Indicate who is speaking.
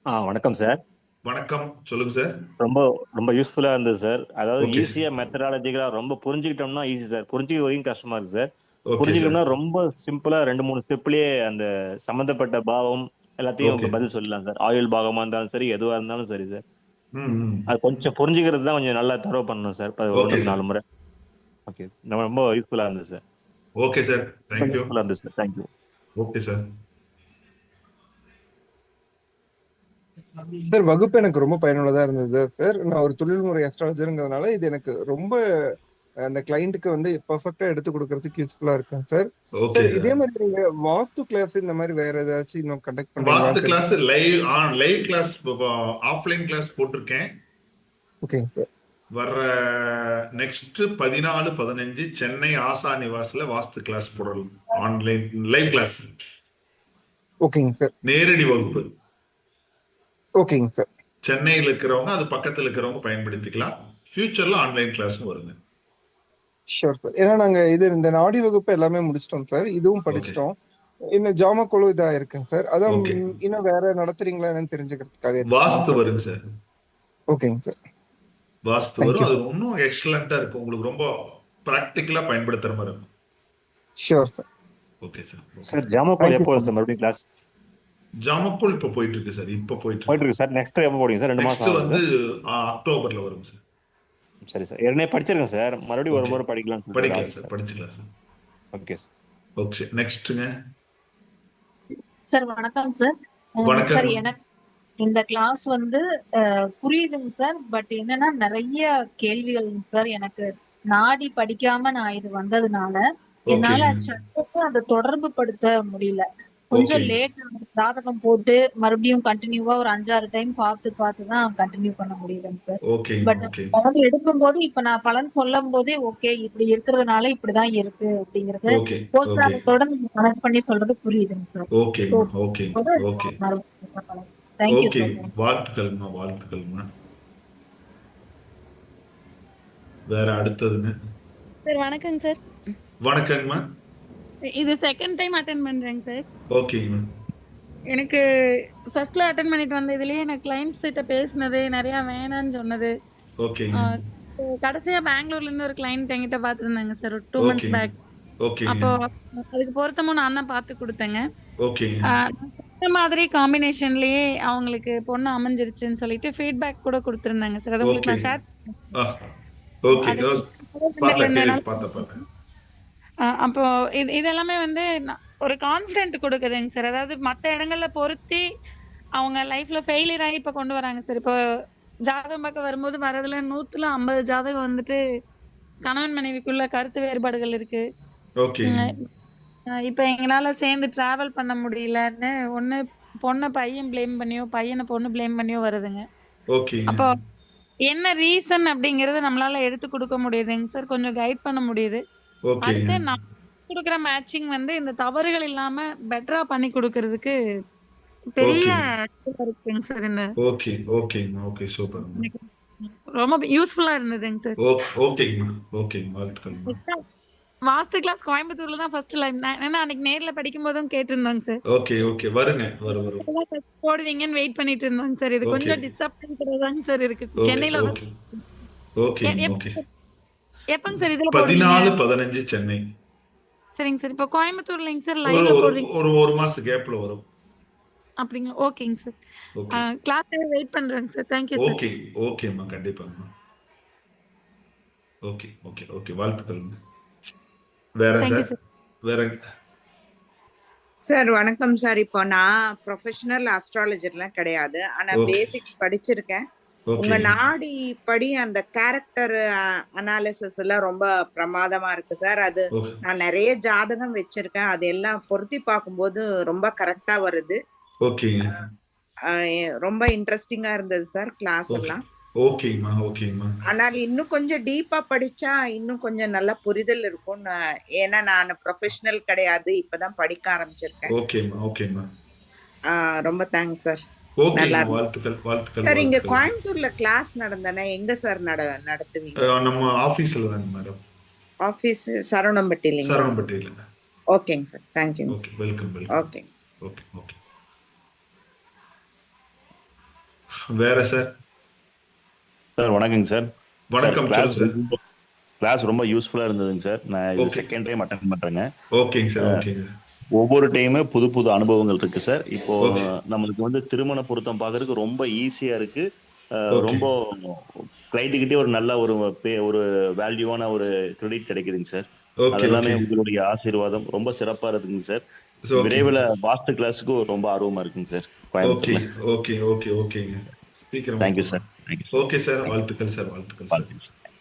Speaker 1: வணக்கம் சார்.
Speaker 2: வணக்கம். சொல்லுங்க சார்.
Speaker 1: ரொம்ப ரொம்ப யூஸ்ஃபுல்லா இருந்தது சார். அதாவது
Speaker 2: ஓகே சார்.
Speaker 1: ஈஸியா மெத்தடாலஜிக்கலா ரொம்ப புரிஞ்சுக்கிட்டோம்னா ஈஸி சார். புரிஞ்சுக்க வரைக்கும் கஷ்டமா இருக்கு சார்.
Speaker 2: Okay sir.
Speaker 1: புரிஞ்சுக்கணும்னா ரொம்ப சிம்பிளா 2, 3 ஸ்டெப்லயே அந்த சம்பந்தப்பட்ட பாவம் எல்லாத்தையும்
Speaker 2: ஓகே.
Speaker 1: பதில் சொல்லலாம் சார். ஆயுள் பாகமா இருந்தாலும் சரி, எதுவா இருந்தாலும் சரி சார்.
Speaker 2: ம், ம்.
Speaker 1: அது கொஞ்சம் புரிஞ்சுக்கிறது தான் கொஞ்சம் நல்லா தரவு பண்ணணும் சார்.
Speaker 2: ஓகே
Speaker 1: 1க்கு
Speaker 2: சார்.
Speaker 1: 4 முறை. ஓகே. ரொம்ப யூஸ்ஃபுல்லா இருந்தது சார்.
Speaker 2: Okay sir.
Speaker 1: ரொம்ப
Speaker 2: தேங்க் யூ.
Speaker 1: யூஸ்ஃபுல்லா இருந்தது sir. Thank you.
Speaker 2: Okay sir.
Speaker 3: Sir வகுப்பு எனக்கு ரொம்ப பயனுள்ளதா இருந்தது சார். நான் ஒரு தொழில்முறை அஸ்ட்ராலஜர்ங்கிறதுனால இது எனக்கு ரொம்ப அந்த கிளைண்ட்டுக்கு வந்து பெர்ஃபெக்ட்டா எடுத்து குடுக்கறதுக்கு யூஸ்ஃபுல்லா இருக்குங்க சார்.
Speaker 2: ஓகே
Speaker 3: சார் இதே
Speaker 2: சார்.
Speaker 3: மாரி நீங்க வாஸ்து கிளாஸ் இந்த மாரி வேற ஏதாச்சும் இன்னும் கண்டக்ட்
Speaker 2: வாஸ்து
Speaker 3: பண்றீங்களான்னு
Speaker 2: கிளாஸ்
Speaker 3: தெரிஞ்சுக்க
Speaker 2: லைவ் கிளாஸ் ஆஃப்லைன் கிளாஸ் போட்டிருக்கேன்.
Speaker 3: ஓகேங்க சார்.
Speaker 2: வர்ற நெக்ஸ்ட் 14, 15 சென்னை ஆசா நிவாஸ்ல வாஸ்து கிளாஸ் போடலாம். Online live class.
Speaker 3: ஓகேங்க சார்.
Speaker 2: நேரடி வகுப்பு.
Speaker 3: ஓகேங்க சார்.
Speaker 2: சென்னையில் இருக்கிறவங்க அது பக்கத்தில் இருக்கிறவங்க பயன்படுத்திக்கலாம். ஃபியூச்சர்ல ஆன்லைன் கிளாஸும் வருங்க.
Speaker 3: Sure sir. ஏன்னா நாங்க இந்த நாடி வகுப்பு எல்லாமே முடிச்சிட்டோம் சார். இதுவும்
Speaker 2: ஓகே.
Speaker 3: படிச்சிட்டோம். இன்னும் ஜாமக்குழு இதா இருக்குங்க சார். அதான்
Speaker 2: ஓகே.
Speaker 3: இன்னும் வேற நடத்துறீங்களா என்னன்னு தெரிஞ்சுக்கிறதுக்காக இது பண்ணேங்க
Speaker 2: வாஸ்து
Speaker 3: சார்.
Speaker 2: வருங்க சார்.
Speaker 3: ஓகேங்க சார்.
Speaker 2: வாஸ்து
Speaker 3: தேங்க்
Speaker 2: வரும்.
Speaker 3: யூ
Speaker 2: அது
Speaker 3: சார்.
Speaker 2: இன்னும் எக்ஸலண்டா இருக்கும். உங்களுக்கு ரொம்ப பிராக்டிக்கலா பயன்படுத்துற மாதிரி இருக்கும்.
Speaker 3: Sure sir.
Speaker 2: Okay sir. Okay.
Speaker 1: Sir ஜாமக்கோல்
Speaker 3: தேங்க் யூ
Speaker 1: எப்போ
Speaker 3: ஸோ
Speaker 1: சார்
Speaker 3: மச்.
Speaker 1: மறுபடியும் கிளாஸ்
Speaker 2: ஜாமக்குள் இப்ப போயிட்டு இருக்கு சார். இப்ப போயிட்டு
Speaker 1: போயிட்டு
Speaker 2: இருக்கு.
Speaker 1: இருக்கு சார். நெக்ஸ்ட் எப்போ போடுவீங்க சார்? 2 மாசம்
Speaker 2: நெக்ஸ்ட்
Speaker 1: ஆகுமா
Speaker 2: வந்து
Speaker 1: சார்?
Speaker 2: அக்டோபர்ல வரும் சார்.
Speaker 1: சரி சார். ஏற்கனவே படிச்சிருக்கேன் சார். மறுபடியும் ஒரு
Speaker 2: ஓகே.
Speaker 1: முறை படிக்கலாம்னு சொல்லிட்டு ஒரு
Speaker 2: படிக்கலாம்
Speaker 1: ஆசை
Speaker 2: சார்.
Speaker 1: சார்.
Speaker 2: படிச்சுக்கலாம் சார்.
Speaker 1: Okay sir.
Speaker 2: ஓகே. நெக்ஸ்ட்டுங்க.
Speaker 4: சார் வணக்கம் சார். சார்
Speaker 2: வணக்கங்க.
Speaker 4: எனக்கு இந்த கிளாஸ் வந்து புரியுதுங்க சார். பட் என்னன்னா நிறைய கேள்விகள்ங்க சார். எனக்கு நாடி படிக்காம நான் இது வந்ததுனால என்னால
Speaker 2: ஓகேங்க.
Speaker 4: சட்டத்தை அதை தொடர்பு படுத்த முடியல. கொஞ்சம்
Speaker 2: ஓகேங்க.
Speaker 4: லேட் ஜாதகம் போட்டு மறுபடியும் கண்டினியூவா ஒரு 5, 6 டைம் பார்த்து தான் கண்டினியூ பண்ண முடியுதுங்க சார்.
Speaker 2: ஓகேங்க.
Speaker 4: But
Speaker 2: okay.
Speaker 4: பலன் எடுக்கும்போது இப்ப நான் பலன் சொல்லும் போதே ஓகே இப்படி இருக்கிறதுனால இப்படிதான் இருக்கு அப்படிங்கறது
Speaker 2: ஓகே. ஓகே.
Speaker 4: கோச்சாரத்தோட நீங்க கனெக்ட் பண்ணி சொல்றது புரியுதுங்க சார். ஸோ
Speaker 2: ஓகேங்கம்மா. ஓகேங்க. ஓகே.
Speaker 4: Thank you
Speaker 2: okay.
Speaker 4: சார்.
Speaker 2: வாழ்த்துக்கள்மா. வாழ்த்துக்கள்மா. வேற அடுத்ததுங்க.
Speaker 5: சார் வணக்கங்க சார்.
Speaker 2: வணக்கங்கம்மா.
Speaker 5: இது செகண்ட் டைம் அட்டெண்ட் பண்றேங்க சார்.
Speaker 2: ஓகேங்கம்மா.
Speaker 5: எனக்கு ஃபர்ஸ்ட்ல அட்டெண்ட் பண்ணிட்டு வந்த இதுலயே எனக்கு கிளைண்ட்ஸ் கிட்ட பேசினது நிறைய வேணான்னு சொன்னது.
Speaker 2: ஓகேங்க.
Speaker 5: கடைசியா பெங்களூர்ல இருந்து ஒரு கிளைண்ட் என்கிட்ட பாத்துருந்தாங்க சார் ஒரு 2 மந்த்ஸ்
Speaker 2: ஓகேங்க.
Speaker 5: பேக்.
Speaker 2: ஓகேங்க.
Speaker 5: அப்போ அதுக்கு பொருத்தமும் நான் தான் பார்த்து கொடுத்தேங்க.
Speaker 2: ஓகேங்க.
Speaker 5: இந்த மாதிரி காம்பினேஷன்லயே அவங்களுக்கு பொண்ணு அமைஞ்சிருச்சுன்னு சொல்லிட்டு ஃபீட்பேக் கூட கொடுத்திருந்தாங்க சார். அது உங்களுக்கு
Speaker 2: ஓகே.
Speaker 5: நான் ஷேர்
Speaker 2: ஆ, ஓகே.
Speaker 5: அது
Speaker 2: பார்த்தேன்.
Speaker 5: இருந்தனால
Speaker 2: பார்த்தேன்.
Speaker 5: அப்போ இது எல்லாமே வந்து ஒரு கான்ஃபிடென்ட் கொடுக்குதுங்க சார். அதாவது மத்த இடங்கள்ல பொருத்தி அவங்க லைஃப்ல ஃபெயிலியர் ஆகி இப்ப கொண்டு வராங்க சார். இப்போ ஜாதகம் பார்க்க வரும்போது வரதுல 100ல 50 ஜாதகம் வந்துட்டு கணவன் மனைவிக்குள்ள கருத்து வேறுபாடுகள் இருக்கு.
Speaker 2: ஓகே.
Speaker 5: இப்ப எங்களால சேர்ந்து டிராவல் பண்ண முடியலன்னு ஒண்ணு பொண்ணை பையன் பிளேம் பண்ணியோ பையனை பொண்ணு பிளேம் பண்ணியோ வருதுங்க.
Speaker 2: ஓகேங்க.
Speaker 5: அப்போ என்ன ரீசன் அப்படிங்கறத நம்மளால எடுத்து கொடுக்க முடியுதுங்க சார். கொஞ்சம் கைட் பண்ண முடியுது.
Speaker 2: ஓகேங்க.
Speaker 5: அடுத்து நான் குடுக்குற மேட்சிங் வந்து இந்த தவறுகள் இல்லாம பெட்டரா பண்ணி குடுக்கறதுக்கு பெரிய
Speaker 2: ஓகே.
Speaker 5: இதுவா இருக்குங்க சார். இந்த
Speaker 2: ஓகே. ஓகேங்கம்மா. ஓகே. சூப்பர்ங்க.
Speaker 5: எனக்கு ரொம்ப யூஸ்ஃபுல்லா இருந்ததுங்க சார்.
Speaker 2: ஓகேங்கம்மா. ஓகேங்க. வாழ்த்துக்கள்மா.
Speaker 5: வாஸ்து கிளாஸ் கோயம்புத்தூர்ல தான் ஃபர்ஸ்ட் லைவ். ஏன்னா அன்னைக்கு நேர்ல படிக்கும் போதும் கேட்டிருந்தோங்க சார்.
Speaker 2: ஓகே. ஓகே. வருங்க. வரும்.
Speaker 5: போடுவீங்கன்னு வெயிட் பண்ணிட்டு இருந்தோங்க சார். இது
Speaker 2: ஓகே.
Speaker 5: கொஞ்சம் டிசப்பாயின்ட் தாங்க சார் இருக்கு.
Speaker 2: ஓகே.
Speaker 5: சென்னையில
Speaker 2: ஓகே. ஓகேங்க. ஓகே.
Speaker 5: எப்பங்க சார் இதுல போடுவீங்க?
Speaker 2: 14, 15 சென்னை.
Speaker 5: சரிங்க சார். இப்போ கோயம்புத்தூர்லங்க சார்
Speaker 2: ஒரு
Speaker 5: லைவ்ல
Speaker 2: ஒரு
Speaker 5: போடுறீங்க
Speaker 2: ஒரு ஒரு மாசம் கேப்ல வரும்.
Speaker 5: அப்படிங்களா? ஓகேங்க சார்.
Speaker 2: ஓகே.
Speaker 5: கிளாஸ் வெயிட் பண்றேங்க சார். Thank you sir.
Speaker 2: ஓகே. ஓகேம்மா. கண்டிப்பாங்கம்மா. ஓகே. ஓகே. ஓகே. வாழ்த்துக்கள்ங்க. வேற
Speaker 5: தேங்க்யூ
Speaker 2: சார்?
Speaker 5: சார்.
Speaker 2: வேற
Speaker 6: சார் வணக்கம் சார். இப்போ நான் ப்ரொஃபஷனல் அஸ்ட்ராலஜர்லாம் கிடையாது. ஆனா
Speaker 2: ஓகே.
Speaker 6: பேசிக்ஸ் படிச்சிருக்கேன். உங்க
Speaker 2: ஓகேங்க.
Speaker 6: நாடி படி அந்த கேரக்டர் அனாலிசிஸ் எல்லாம் ரொம்ப பிரமாதமா இருக்கு சார். அது
Speaker 2: ஓகே.
Speaker 6: நான் நிறைய ஜாதகம் வச்சிருக்கேன். அது எல்லாம் பொருத்தி பார்க்கும்போது ரொம்ப கரெக்டா வருது.
Speaker 2: ஓகேங்க.
Speaker 6: ரொம்ப இன்ட்ரெஸ்டிங்கா இருந்தது சார் கிளாஸ்
Speaker 2: ஓகே.
Speaker 6: எல்லாம்.
Speaker 2: ஓகேங்கம்மா. ஓகேங்கம்மா.
Speaker 6: ஆனால் இன்னும் கொஞ்சம் டீப்பா படிச்சா இன்னும் கொஞ்சம் நல்ல புரிதல் இருக்கும். ஏன்னா நான் ப்ரொஃபஷனல் கிடையாது, இப்பதான் படிக்க ஆரம்பிச்சிருக்கேன்.
Speaker 2: ஓகேம்மா. ஓகேம்மா.
Speaker 6: ரொம்ப தேங்க்ஸ் சார்.
Speaker 2: ஓகேங்கம்மா.
Speaker 6: நல்லா இருக்கு
Speaker 2: வாழ்த்துக்கள். வாழ்த்துக்கள்.
Speaker 6: சார். இங்க
Speaker 2: வாழ்த்துக்கள்.
Speaker 6: கோயம்புத்தூர்ல கிளாஸ் நடந்தனா எங்க சார் நடத்துவீங்க?
Speaker 2: நம்ம ஆபீஸ்ல தாங்க மேடம்.
Speaker 6: ஆபீஸ் சரவணம்பட்டி இல்லைங்களா?
Speaker 2: சரவணம்பட்டியில.
Speaker 6: ஓகேங்க சார். தேங்க்யூங்க
Speaker 2: ஓகே.
Speaker 6: சார்.
Speaker 2: வெல்கம்.
Speaker 6: ஓகேங்க.
Speaker 2: ஓகே. ஓகே. வேற சார்?
Speaker 1: சார் வணக்கங்க சார். சார்
Speaker 2: வணக்கம், சொல்லுங்க சார்.
Speaker 1: கிளாஸ் ரொம்ப யூஸ்ஃபுல்லா இருந்ததுங்க சார். நான் இது
Speaker 2: ஓகே.
Speaker 1: செகண்ட் டைம் அட்டெண்ட் பண்றேங்க.
Speaker 2: ஓகேங்க சார், ஓகேங்க.
Speaker 1: ஒவ்வொரு டைமு புது புது அனுபவங்கள் இருக்கு சார். இப்போ
Speaker 2: ஓகே.
Speaker 1: நம்மளுக்கு வந்து திருமண பொருத்தம் பார்க்கறதுக்கு ரொம்ப ஈஸியா இருக்கு.
Speaker 2: ஓகே.
Speaker 1: ரொம்ப கிளைண்ட் கிட்டே ஒரு நல்ல ஒரு வேல்யூவான ஒரு கிரெடிட் கிடைக்குதுங்க சார்.
Speaker 2: ஓகே,
Speaker 1: அதெல்லாமே
Speaker 2: ஓகே.
Speaker 1: உங்களுடைய ஆசீர்வாதம் ரொம்ப சிறப்பா இருக்குங்க சார்.
Speaker 2: ஓகே.
Speaker 1: விரைவில் வாஸ்து கிளாஸுக்கு ரொம்ப ஆர்வமா இருக்குங்க சார்
Speaker 2: ஓகே,
Speaker 1: கோயம்புத்தூர்ல.
Speaker 2: ஓகே, ஓகே, ஓகேங்க. சீக்கிரமா
Speaker 1: தேங்க்யூ
Speaker 2: போலாம்.
Speaker 1: Sir. Thank you
Speaker 2: okay sir,
Speaker 1: sir.
Speaker 2: வாழ்த்துக்கள் சார், வாழ்த்துக்கள் சார்.
Speaker 1: வாழ்த்துக்கள்.